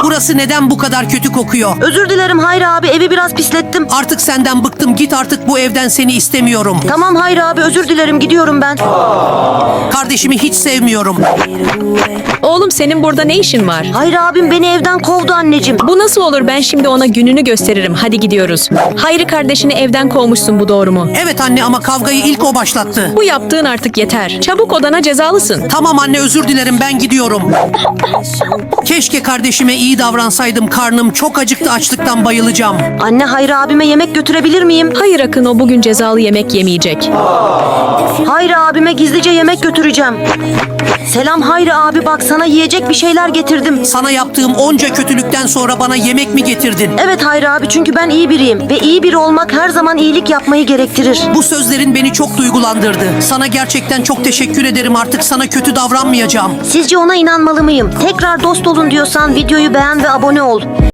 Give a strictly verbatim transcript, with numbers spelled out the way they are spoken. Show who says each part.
Speaker 1: Burası neden bu kadar kötü kokuyor?
Speaker 2: Özür dilerim Hayri abi, evi biraz pislettim.
Speaker 1: Artık senden bıktım. Git artık, bu evden seni istemiyorum.
Speaker 2: Tamam Hayri abi, özür dilerim, gidiyorum ben.
Speaker 1: Kardeşimi hiç sevmiyorum.
Speaker 3: Oğlum senin burada ne işin var?
Speaker 2: Hayri abim beni evden kovdu anneciğim.
Speaker 3: Bu nasıl olur? Ben şimdi ona gününü gösteririm. Hadi gidiyoruz. Hayri kardeşini evden kovmuşsun, bu doğru mu?
Speaker 1: Evet anne, ama kavgayı ilk o başlattı.
Speaker 3: Bu yaptığın artık yeter. Çabuk odana, cezalısın.
Speaker 1: Tamam anne, özür dilerim, ben gidiyorum. Keşke kardeşime iyi davransaydım. Karnım çok acıktı, açlıktan bayılacağım.
Speaker 2: Anne, Hayri abime yemek götürebilir miyim?
Speaker 3: Hayır Akın, o bugün cezalı yemek yemeyecek.
Speaker 2: Hayri abime gizlice yemek götüreceğim. Selam Hayri abi, bak sana yiyecek bir şeyler getirdim.
Speaker 1: Sana yaptığım onca kötülükten sonra bana yemek mi getirdin?
Speaker 2: Evet Hayri abi, çünkü ben iyi biriyim ve iyi biri olmak her zaman iyilik yapmayı gerektirir.
Speaker 1: Bu sözlerin beni çok duygulandırdı. Sana gerçekten çok teşekkür ederim. Artık sana kötü davranmayacağım.
Speaker 2: Sizce ona inanmalı mıyım? Tekrar dost olun diyorsan videoyu beğen ve abone ol.